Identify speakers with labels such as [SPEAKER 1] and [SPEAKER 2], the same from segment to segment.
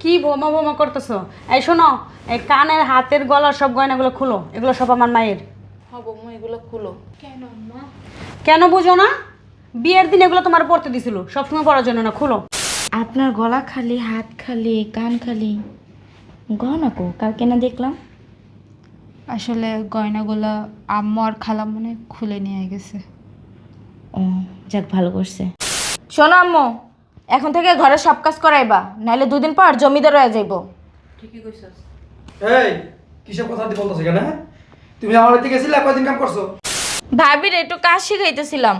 [SPEAKER 1] কি বোমা বোমা করতেছো? এই শোনো, এই কানের হাতের গলার সব গয়নাগুলো খুলো, এগুলো সব আমার মায়ের।
[SPEAKER 2] হব মা, এগুলো খুলো। কেন আম্মা?
[SPEAKER 1] কেন বুঝো না? বিয়ের দিন এগুলো তোমার পরতে দিছিল, সবসময় পরার জন্য না, খুলো।
[SPEAKER 3] আপনার গলা খালি, হাত খালি, কান খালি, গহনা কো কার কেনা দেখলাম?
[SPEAKER 2] আসলে গয়নাগুলো আম্মু আর খালা মনে হয় খুলে নিয়ে গেছে।
[SPEAKER 3] ও যাক, ভালো করছে। শোনো আম্মু, এখন থেকে ঘরে সব কাজ করাইবা, নাহলে দুদিন পর জমিদার হয়ে যাইব।
[SPEAKER 2] ঠিকই কইছস।
[SPEAKER 4] এই কিসব কথা দিয়ে বলতেছো কেন? হ্যাঁ, তুমি আমার বাড়িতে গেছিলে, কয়দিন কাম করছো?
[SPEAKER 3] ভাবির একটু কাজ শিখাইতেছিলাম।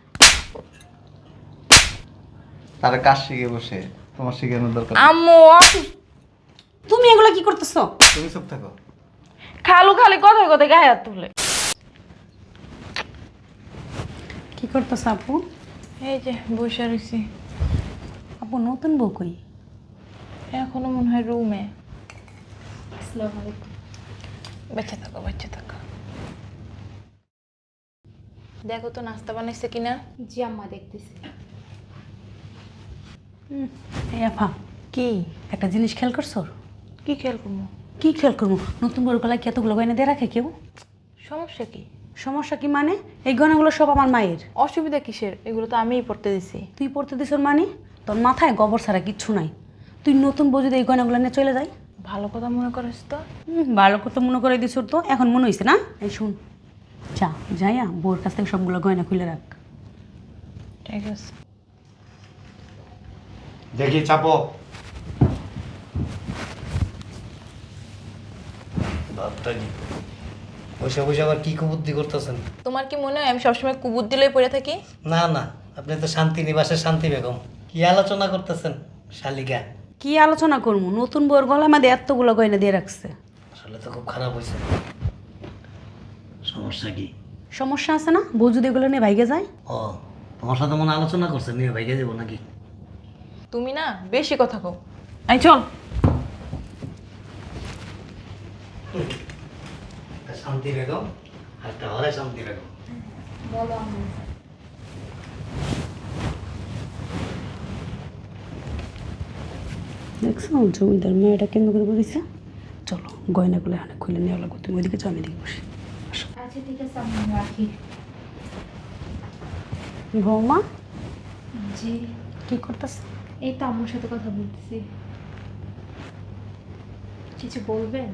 [SPEAKER 5] তার কাজ শিখে বসে তোমার শিখানোর দরকার নেই।
[SPEAKER 3] আম্মু
[SPEAKER 1] তুমি এগুলো কি করতেছো?
[SPEAKER 5] তুমি চুপ থাকো।
[SPEAKER 3] খালু খালি কথায় কথায় গায়ে হাত তুলে।
[SPEAKER 1] কি করতেছো আপু?
[SPEAKER 2] এই যে বসে রয়েছি।
[SPEAKER 1] আপু নতুন বউ কই?
[SPEAKER 2] এখনো মনে হয় রুমে। আসসালামু আলাইকুম। বাচ্চা থাকো, বাচ্চা থাকো। দেখো তো নাস্তা বানাইছে কিনা।
[SPEAKER 6] জি আম্মা, দেখতেছি।
[SPEAKER 1] এই আফা,
[SPEAKER 2] কি
[SPEAKER 1] একটা জিনিস খেয়াল করছো?
[SPEAKER 2] কি খেয়াল করবো?
[SPEAKER 1] কি খেয়াল করবো? নতুন বউর গলায় কি এতগুলো গয়না দিয়ে রাখে কেউ?
[SPEAKER 2] সমস্যা কি?
[SPEAKER 1] সমস্যা কি মানে? এই গয়নাগুলো সব আমার মায়ের।
[SPEAKER 2] অসুবিধা কিসের? এগুলো তো আমিই পড়তে দিছি।
[SPEAKER 1] তুই পড়তে দিস মানে? তোর মাথায় গোবর ছাড়া কিচ্ছু নাই। তুই নতুন বউ যদি এই গয়নাগুলো নিয়ে চলে যায়।
[SPEAKER 2] ভালো কথা মনে করিস তো।
[SPEAKER 1] ভালো করতে মনে করে দিস, তো এখন মনে হয়েছে না? এই শুন, যা যাইয়া বউর কাছ থেকে সবগুলো গয়না খুলে রাখ।
[SPEAKER 2] ঠিক আছে।
[SPEAKER 5] দেখি চাপো।
[SPEAKER 7] বসে বসে আবার কি কুবুদ্ধি করতেছেন?
[SPEAKER 2] তোমার কি মনে হয় আমি সবসময় কুবুদ্ধি লয়ে পড়ে থাকি?
[SPEAKER 7] না না, আপনি তো শান্তি নিবাসের শান্তি বেগম। কি আলোচনা করতেছেন শালিকা?
[SPEAKER 1] কি আলোচনা করবো? নতুন বউর গলায় আমাদের এতগুলো গয়না দিয়ে রাখছে।
[SPEAKER 7] আসলে তো খুব খারাপ হয়েছে। সমস্যা কি?
[SPEAKER 1] সমস্যা আছে না? বউ যদি এগুলো নিয়ে ভাইগে যায়?
[SPEAKER 7] ও, তোমার সাথে মনে হয় আলোচনা করছেন, নিয়ে ভাইকে যাবো নাকি?
[SPEAKER 2] তুমি না বেশি কথা কও।
[SPEAKER 1] এই চল।
[SPEAKER 7] একটা শান্তি বেগম আর একটা হরে শান্তি বেগম।
[SPEAKER 1] দেখছো জমিদার মেয়েটা কেন করে বলেছে? চলো গয়নাগুলো এখানে খুলে নেওয়া লাগবে। তুমি ওইদিকে চল, আমি এদিকে বসি।
[SPEAKER 6] আচ্ছা ঠিক আছে আম্মা, রাখি।
[SPEAKER 1] বৌমা
[SPEAKER 6] জি।
[SPEAKER 1] কি করতেছ?
[SPEAKER 6] এই তো আম্মুর সাথে কথা বলতেছি। কিছু বলবেন?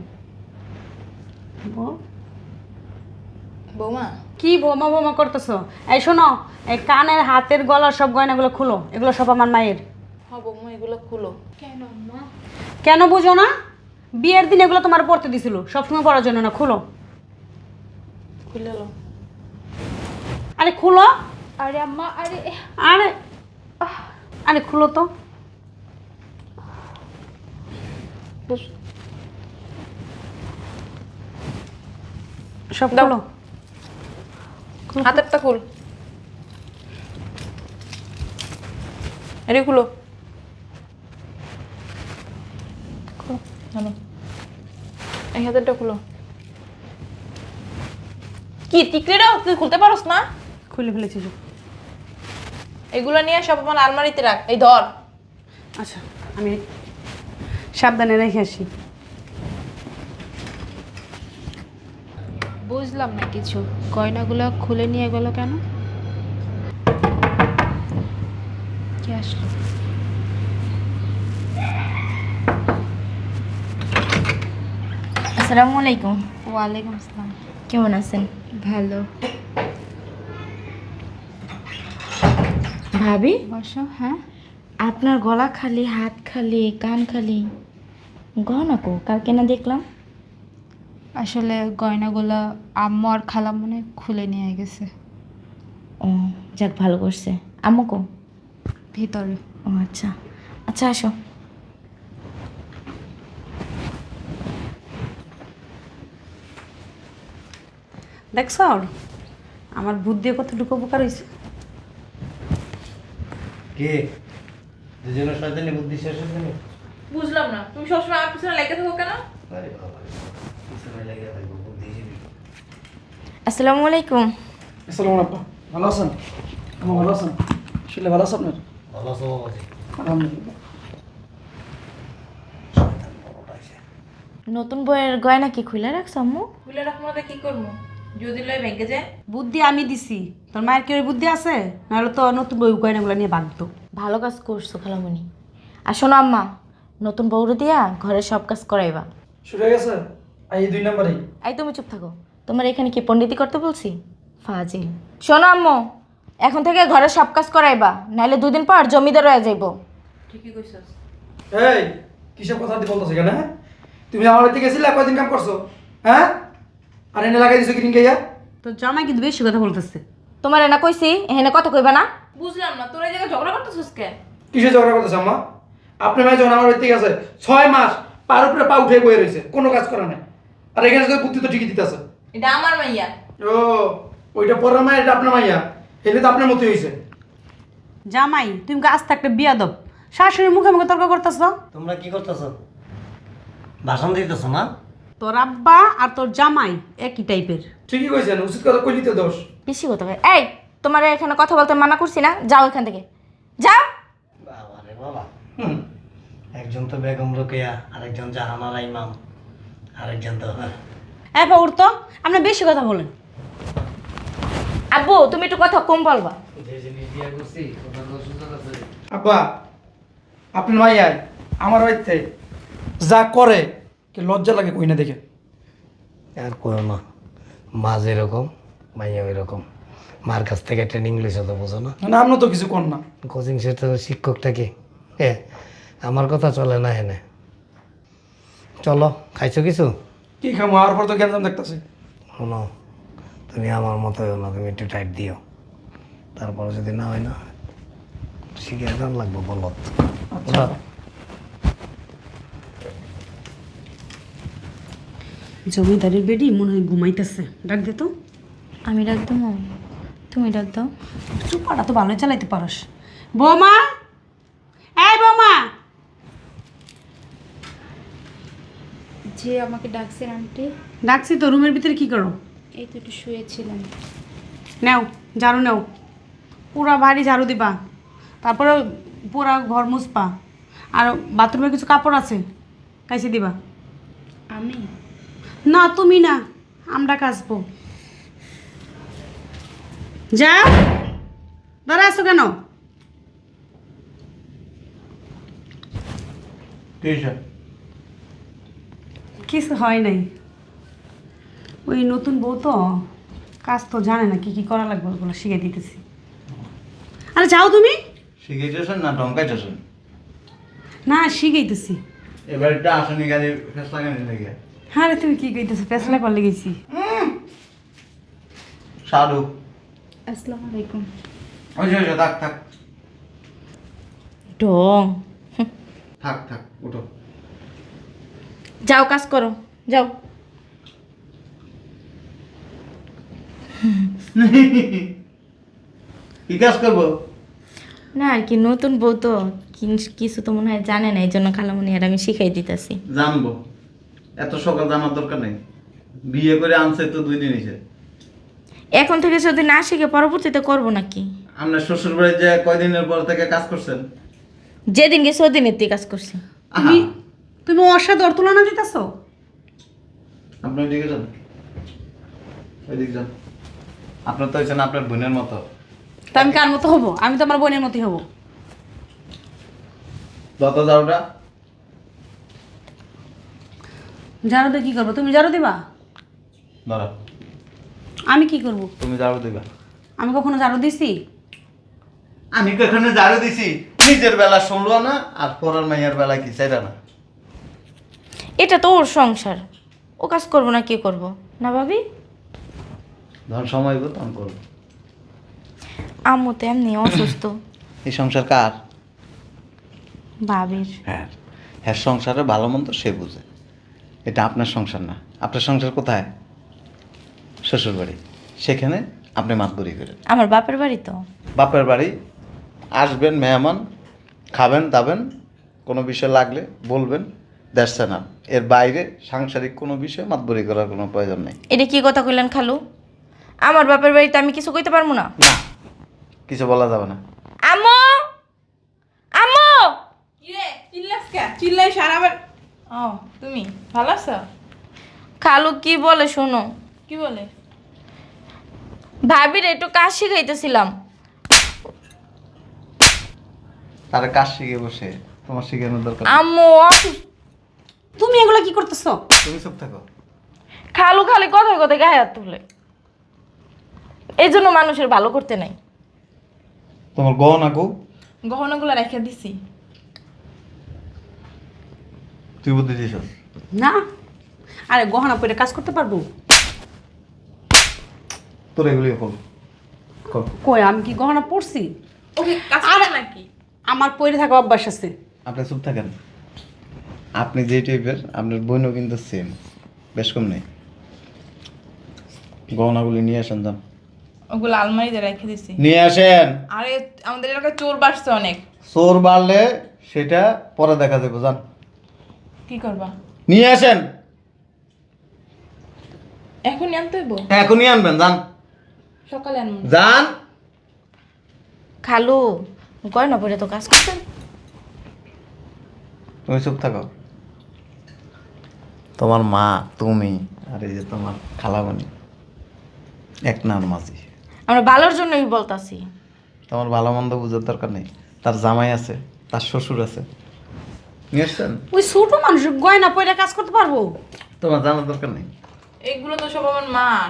[SPEAKER 1] বউ
[SPEAKER 2] বৌমা,
[SPEAKER 1] কি বোমা বোমা করতেছো? এই শোনো, এই কানের হাতের গলার সব গয়নাগুলো খুলো, এগুলো সব আমার মায়ের।
[SPEAKER 2] হব মা, এগুলো খুলো।
[SPEAKER 6] কেন আম্মা?
[SPEAKER 1] কেন বুঝো না? বিয়ের দিন এগুলো তোমার পরতে দিছিল, সবসময় পরার জন্য না, খুলো।
[SPEAKER 2] খুলে লো।
[SPEAKER 1] আরে খুলো।
[SPEAKER 6] আরে আম্মা, আরে
[SPEAKER 1] আরে আরে খুলো তো। সব
[SPEAKER 2] দাও।
[SPEAKER 1] খুলো।
[SPEAKER 2] হাতেরটা খুল। এরে খুলো। খুলো, জানো। এই হাতেরটা খুলো। কি টিকলিটাও তুই খুলতে পারোস না?
[SPEAKER 1] খুলে ফেলেছি সব।
[SPEAKER 2] এগুলো নিয়ে সব আমার আলমারিতে রাখ। এই ধর।
[SPEAKER 1] আচ্ছা, আমি সাবধানে রেখে আসি।
[SPEAKER 6] বুঝলাম না কিছু। গয়নাগুলো খুলে নিয়ে গেল কেন? কে আসলো?
[SPEAKER 3] আসসালামু আলাইকুম।
[SPEAKER 6] ওয়ালাইকুম আসসালাম।
[SPEAKER 3] কেমন আছেন?
[SPEAKER 6] ভালো।
[SPEAKER 3] ভাবি,
[SPEAKER 6] বসো। হ্যাঁ,
[SPEAKER 3] আপনার গলা খালি, হাত খালি, কান খালি, গহনা কো কার কেনা দেখলাম?
[SPEAKER 6] আসলে গয়নাগুলো আম্মু আর খালা মনে হয় খুলে নিয়ে গেছে
[SPEAKER 3] ও যাক, ভালো করছে। আম্মু কো?
[SPEAKER 6] ভিতরে।
[SPEAKER 3] ও আচ্ছা আচ্ছা, আসো।
[SPEAKER 1] দেখছো আমার বুদ্ধি কতটুকু উপকার হয়েছে?
[SPEAKER 7] কে দুজনের শয়তানি বুদ্ধি শেষ হয়েছে না?
[SPEAKER 2] বুঝলাম না, তুমি সবসময় আমার পিছনে লেগে থাকো কেন?
[SPEAKER 7] আরে বাবা, পিছনে লেগে থাকবো বুদ্ধিজীবী।
[SPEAKER 3] আসসালামু আলাইকুম।
[SPEAKER 4] আসসালামু আলাইকুম। ভালো আছেন? আমার ভালো আছেন? শুনলে ভালো আছে আপনার?
[SPEAKER 7] ভালো আছো বাবাজি?
[SPEAKER 4] আলহামদুলিল্লাহ।
[SPEAKER 3] নতুন বইয়ের গয়না কি খুলে রাখছ আম্মু?
[SPEAKER 2] খুলে রাখবো না কি করবো? যদি লয় ব্যাংকে যায়।
[SPEAKER 1] বুদ্ধি আমি দিছি, তোর মায়ের কি ওই বুদ্ধি আছে? নাহলে তো নতুন বই গয়নাগুলো নিয়ে ভাগতো।
[SPEAKER 3] ভালো কাজ করছো খালামণি। আর শোনো আম্মা, নতুন বউরে দিয়া ঘরের সব কাজ করাইবা।
[SPEAKER 4] শুরু হয়ে গেছে এই 2 নম্বরই।
[SPEAKER 3] এই তুমি চুপ থাকো, তোমার এখানে কি পণ্ডিতি করতে বলছি? ফাজিল। শোনো আম্মু, এখন থেকে ঘরের সব কাজ করাইবা, নাহলে 2 দিন পর জমিদার হয়ে যাইব।
[SPEAKER 2] ঠিকই কইছস।
[SPEAKER 4] এই কিসব কথা দি বলতেছ কেন? হ্যাঁ তুমি আমার বাড়িতে গেছিলে, কয়দিন কাম করছো? হ্যাঁ আর এনে লাগাই দিছো কিরিং গাইয়া।
[SPEAKER 1] তোর জামাই কিন্তু বেশি কথা বলতেছে।
[SPEAKER 3] তোমার না কইছি এখানে কথা কইবা না।
[SPEAKER 2] বুঝলাম না তোর এই জায়গায় ঝগড়া করতেছিস কে?
[SPEAKER 4] কিসে ঝগড়া করতেছ আম্মা? আপনার মেয়ে যখন আমার বাড়িতে গেছে 6 মাস পার উপরে পা উঠে বয়ে রয়েছে, কোনো কাজ করা নাই। আর এখানে তো বুদ্ধি তো ঠিকই দিতেছে।
[SPEAKER 2] এটা আমার মাইয়া।
[SPEAKER 4] ও ওইটা পরের মায়ের, এটা আপনার মাইয়া। এলে তো আপনার মতোই হয়েছে।
[SPEAKER 1] জামাই তুমি আজ থাকতে বিয়াদব, শাশুড়ির মুখে মুখে তর্ক করতেছ।
[SPEAKER 7] তোমরা কি করতেছো? ভাষণ দিতেছো না?
[SPEAKER 1] তোর আব্বা আর তোর জামাই একই টাইপের।
[SPEAKER 4] ঠিকই কইছেন, উচিত কথা কইলি তো দোষ।
[SPEAKER 3] বেশি কথা কয়। এই তোমার এখানে কথা বলতে মানা করছি না, যাও এখান থেকে যাও।
[SPEAKER 7] বাবা রে বাবা। একজন তো বেগম রোকেয়া, আরেকজন জাহানারা ইমাম, আরেকজন তো
[SPEAKER 1] এবার উঠতো, আপনি বেশি কথা বলেন।
[SPEAKER 3] আব্বু তুমি একটু কথা কম বলবা।
[SPEAKER 7] যে জিনিস বিয়ে করছি ওটা তো সুযোগ আছে।
[SPEAKER 4] আব্বা আপনার মাইয়াই আমার বাড়িতে যা করে কি লজ্জা লাগে কই না দেখে।
[SPEAKER 7] আর করো না, মা যেরকম মাইয়া ওই রকম। মার কাছ থেকে ট্রেনিং লইছো তো বোঝো না?
[SPEAKER 4] না আপনি তো কিছু কর না।
[SPEAKER 7] কোচিং সেন্টারের শিক্ষকটা কি আমার কথা চলে না হেনে? চলো, খাইছো কিছু?
[SPEAKER 4] কি খামো, আর পর তো গ্যাঞ্জাম দেখতেছি।
[SPEAKER 7] শোনো, তুমি আমার মতো হও না, তুমি একটু টাইট দিও। তারপরে যদি না হয় না, শিখে গান লাগবো বলত।
[SPEAKER 4] আচ্ছা
[SPEAKER 1] জমিদারের বেডি মনে হয় ঘুমাইতেছে, ডাক দে তো।
[SPEAKER 3] আমি ডাক দেবো, তুমি ডাক দাও।
[SPEAKER 1] চুপাটা তো ভালোই চালাইতে পারস। বৌমা, এই বৌমা।
[SPEAKER 6] যে আমাকে ডাকছেন আন্টি?
[SPEAKER 1] ডাকছি তো, রুমের ভিতরে কি করো?
[SPEAKER 6] এই তো একটু শুয়েছিলাম।
[SPEAKER 1] নেও ঝাড়ু নেও, পুরা বাড়ি ঝাড়ু দিবা, তারপরে পুরা ঘর মুছবা, আর বাথরুমে কিছু কাপড় আছে কাইছে দিবা।
[SPEAKER 6] আমি?
[SPEAKER 1] না তুমি না, আমরা কাচবো। যাও, দাঁড়া আছো কেন? কিছু হয় নাই, ওই নতুন বউ তো কাজ তো জানে না, কি কি করা লাগবে ওগুলো শিখে দিতেছি। আরে যাও তুমি।
[SPEAKER 5] শিখাইতেছেন না ঢঙ্কাইতেছেন?
[SPEAKER 1] না শিখাইতেছি।
[SPEAKER 5] এবার একটা আসনি গাড়ি ফেস লাগানি লেগে
[SPEAKER 1] হ্যাঁ রে, তুমি কি কইতেছো? ফেসলা করলে গেছি।
[SPEAKER 5] সাধু।
[SPEAKER 6] আসসালামু আলাইকুম।
[SPEAKER 5] ওই যে থাক থাক
[SPEAKER 3] ঢং।
[SPEAKER 5] থাক থাক উঠো।
[SPEAKER 3] যাও কাজ করো, যাও।
[SPEAKER 5] কি কাজ করবো?
[SPEAKER 3] না আর কি, নতুন বউ তো কিছু তো মনে হয় জানে না, এই জন্য খালামণি আর আমি শিখাই দিতেছি।
[SPEAKER 5] জানবো, এত সকাল জানার দরকার নেই। বিয়ে করে আনছে তো 2 দিন হয়েছে।
[SPEAKER 3] এখন থেকে যদি না শিখে পরবর্তীতে করবো নাকি?
[SPEAKER 5] আপনার শ্বশুর বাড়ি যে কয়দিনের পর থেকে কাজ করছেন?
[SPEAKER 3] যেদিন গেছে ওদিনের দিয়ে কাজ করছি।
[SPEAKER 1] তুমি তুমি ওর সাথে ওর তুলনা দিতেছো?
[SPEAKER 5] আপনি ওইদিকে যান, ওইদিকে যান। আপনার তো হয়েছেন আপনার বোনের মতো।
[SPEAKER 1] তা আমি কার মতো হবো? আমি তো আমার বোনের মতোই হবো।
[SPEAKER 5] যত যাওটা
[SPEAKER 1] ঝাড়ু দিয়ে কি করবো? তুমি ঝাড়ু দিবা?
[SPEAKER 5] ধরো,
[SPEAKER 1] আমি কি করব?
[SPEAKER 5] তুমি ঝাড়ু দিবা।
[SPEAKER 1] আমি কখনো ঝাড়ু দিছি?
[SPEAKER 5] আমি কখনো ঝাড়ু দিছি? নিজের বেলা শুনলো না, আর পরের মাইয়ার বেলা কি চাইরা না?
[SPEAKER 3] এটা তো ওর সংসার, ও কাজ করবো না কি করব না ভাবি?
[SPEAKER 5] ধর সময় হইব তখন করবো।
[SPEAKER 3] আম্মু তো এমনি অসুস্থ।
[SPEAKER 5] এই সংসার কার?
[SPEAKER 3] ভাবির।
[SPEAKER 5] হ্যাঁ, হ্যাঁ, সংসারে ভালো মন্দ সে বুঝে। এটা আপনার সংসার না। আপনার সংসার কোথায়? শ্বশুর বাড়ি। সেখানে আপনি মাতবরি করেন।
[SPEAKER 3] আমার বাপের বাড়ি তো।
[SPEAKER 5] বাপের বাড়ি আসবেন, মেহমান খাবেন দাবেন, কোনো বিষয় লাগলে বলবেন, দেখছে না। এর বাইরে সাংসারিক কোনো বিষয়ে মাতবরি করার কোনো প্রয়োজন নেই।
[SPEAKER 3] এটা কি কথা কইলেন খালু? আমার বাপের বাড়িতে আমি কিছু কইতে পারবো না?
[SPEAKER 5] না, কিছু বলা যাবে না।
[SPEAKER 3] আম্মু, আম্মু,
[SPEAKER 2] কি রে চিল্লাস কে? চিল্লাই সারা ও তুমি ভালো আছো?
[SPEAKER 3] খালু কি বলে শোনো।
[SPEAKER 2] কি বলে?
[SPEAKER 3] ভাবির একটু কাজ শিখাইতেছিলাম।
[SPEAKER 5] তার কাজ শিখে বসে তোমার শিখানোর দরকার নেই।
[SPEAKER 3] আম্মু অসুস্থ।
[SPEAKER 1] তুমি এগুলো কি করতেছো?
[SPEAKER 5] তুমি চুপ থাকো।
[SPEAKER 3] খালু খালি কথায় কথায় গায়ে হাত তুলে, এই জন্য মানুষের ভালো করতে নাই।
[SPEAKER 5] তোমার গহনা কো?
[SPEAKER 2] গহনাগুলো রেখে দিছি।
[SPEAKER 5] তুই বুদ্ধি দিছ?
[SPEAKER 1] না, আরে গহনা পরে কাজ করতে পারবো?
[SPEAKER 5] তোর এগুলি কর। কর।
[SPEAKER 1] কই আমি কি গহনা পরছি?
[SPEAKER 2] ওকে কাজ করে নাকি?
[SPEAKER 1] আমার পরে থাকা অভ্যাস আছে।
[SPEAKER 5] আপনি চুপ থাকেন। আপনি যে টাইপের আপনার বোনও কিন্তু সেম, বেশ কম নেই। গহনাগুলি নিয়ে আসেন, যান
[SPEAKER 2] ওগুলো আলমারিতে রেখে দিছি।
[SPEAKER 5] নিয়ে আসেন।
[SPEAKER 2] আরে আমাদের এলাকায় চোর বাড়ছে অনেক।
[SPEAKER 5] চোর বাড়লে সেটা পরে দেখা যাবে, যান
[SPEAKER 2] কি করবা?
[SPEAKER 5] নিয়ে আসেন।
[SPEAKER 2] এখনই আনতে হইব?
[SPEAKER 5] এখনই আনবেন, যান
[SPEAKER 2] সকালে আনবো।
[SPEAKER 5] যান।
[SPEAKER 3] খালু গয়না পরে তো কাজ করতেন।
[SPEAKER 5] তুমি চুপ থাকো। তোমার মা, তুমি আর এই যে তোমার খালামণি এক নার মাঝি।
[SPEAKER 3] আমরা ভালোর জন্যই বলতাছি।
[SPEAKER 5] তোমার ভালো মন্দ বুঝার দরকার নেই। তার জামাই আছে, তার শ্বশুর আছে, নিয়ে আসছেন।
[SPEAKER 1] ওই ছোট মানুষ গয়না পরে কাজ করতে পারবো?
[SPEAKER 5] তোমার জানার দরকার নেই।
[SPEAKER 2] এগুলো তো সব আমার মার।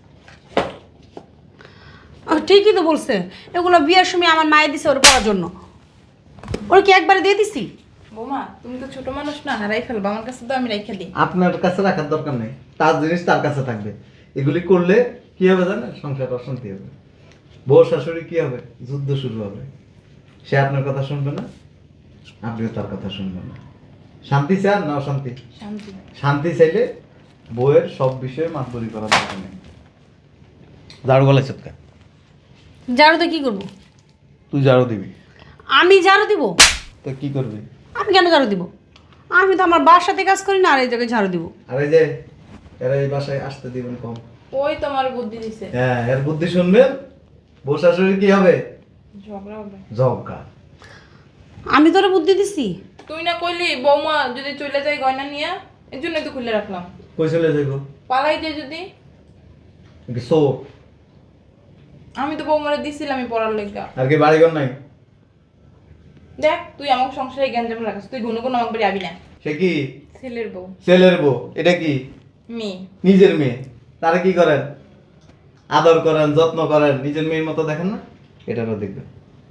[SPEAKER 1] ঠিকই তো বলছে, এগুলো বিয়ের সময় আমার মায়ে দিছে ওর পড়ার জন্য। ওর কি একবারে দিয়ে দিছি?
[SPEAKER 2] বৌমা তুমি তো ছোট মানুষ না, হারাই ফেলবো। আমার কাছে তো আমি রেখে দিই।
[SPEAKER 5] আপনার কাছে রাখার দরকার নেই, তার জিনিস তার কাছে থাকবে। এগুলি করলে কি হবে জানেন? সংসার অশান্তি হবে। বউ শাশুড়ি কি হবে? যুদ্ধ শুরু হবে। সে আপনার কথা শুনবে না, আপনিও তার কথা শুনবেন না। শান্তি চান না অশান্তি?
[SPEAKER 2] শান্তি।
[SPEAKER 5] শান্তি চাইলে বউয়ের সব বিষয়ে মাতবরি করার দরকার নেই। ঝাড়ু গলায় চটকা।
[SPEAKER 1] ঝাড়ু তো কি করবো?
[SPEAKER 5] তুই ঝাড়ু দিবি।
[SPEAKER 1] আমি ঝাড়ু দিব?
[SPEAKER 5] তো কি করবি?
[SPEAKER 1] আমি কেন ঝাড়ু দিব? আমি তো আমার বাসাতে কাজ করি না, আর এই জায়গায় ঝাড়ু দিব?
[SPEAKER 5] আর এই যে এরা এই বাসায় আসতে দিবেন কম।
[SPEAKER 2] ওই তোমার বুদ্ধি দিছে।
[SPEAKER 5] হ্যাঁ, এর বুদ্ধি শুনবেন। বউ শাশুড়ি কি হবে?
[SPEAKER 2] ঝগড়া হবে।
[SPEAKER 5] ঝগড়া।
[SPEAKER 1] আমি তোরে বুদ্ধি দিছি?
[SPEAKER 2] তুই না কইলি বৌমা যদি চলে যায় গয়না নিয়ে, এর জন্যই তো খুলে রাখলাম।
[SPEAKER 5] কই চলে যাইব?
[SPEAKER 2] পালাই যায় যদি।
[SPEAKER 5] সো
[SPEAKER 2] আমি তো বৌমারে দিছিলাম পড়ার লেগা।
[SPEAKER 5] আর কি বাড়িঘর নাই?
[SPEAKER 2] দেখ তুই আমাকে সংসারে গ্যাঞ্জাম রাখাস, তুই গুনো কোনো আমাকে বাড়ি আবি না।
[SPEAKER 5] সে কি?
[SPEAKER 2] ছেলের বউ।
[SPEAKER 5] ছেলের বউ। এটা কি?
[SPEAKER 2] মেয়ে।
[SPEAKER 5] নিজের মেয়ে। তারা কি করেন? আদর করেন, যত্ন করেন, নিজের মেয়ের মতো দেখেন না? এটারও দেখবেন,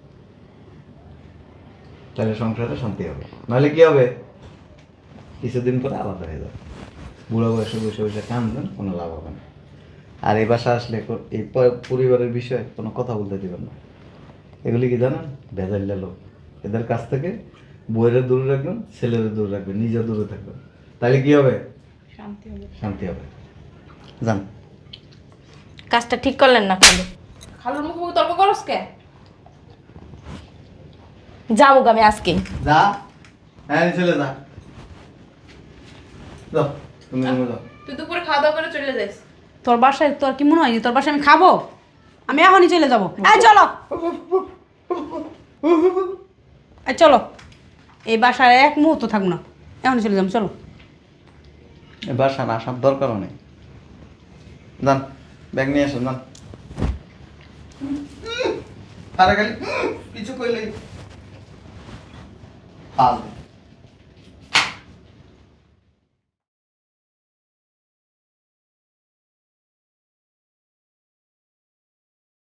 [SPEAKER 5] তাহলে সংসারে শান্তি হবে। নাহলে কি হবে? কিছুদিন পরে আলাদা হয়ে যাবে। বুড়ো বয়সে বসে বসে কাঁদবেন, কোনো লাভ হবে না। আর এই বাসা আসলে এই পরিবারের বিষয়ে কোনো কথা বলতে দিবেন না। এগুলি কি জানেন? ভেজাইলা লোক। এদের কাছ থেকে বউয়ের দূরে রাখবেন, ছেলের দূরে রাখবেন, নিজের দূরে থাকবেন। তাহলে কি হবে?
[SPEAKER 2] শান্তি হবে।
[SPEAKER 5] শান্তি হবে। যান।
[SPEAKER 3] কাজটা ঠিক করলেন না খালু।
[SPEAKER 2] খালুর মুখে মুখে তর্ক করস কে?
[SPEAKER 3] যাবো আমি আজকে।
[SPEAKER 5] যা। হ্যাঁ, চলে যা। যাও, তুমি রুমে যাও।
[SPEAKER 2] তুই দুপুরে খাওয়া দাওয়া করে চলে যাইস।
[SPEAKER 1] তোর বাসায় তোর কি মনে হয় যে তোর বাসায় আমি খাবো? আমি এখনই চলে যাবো। এই চলো, এই চলো, এই বাসায় এক মুহূর্ত থাকবো না, এখনই চলে যাবো। চলো।
[SPEAKER 5] এ বাসা না আসার দরকারও নেই। যান, ব্যাগ নিয়ে আসেন, যান। আরে খালি কিছু কইলেই ফাল।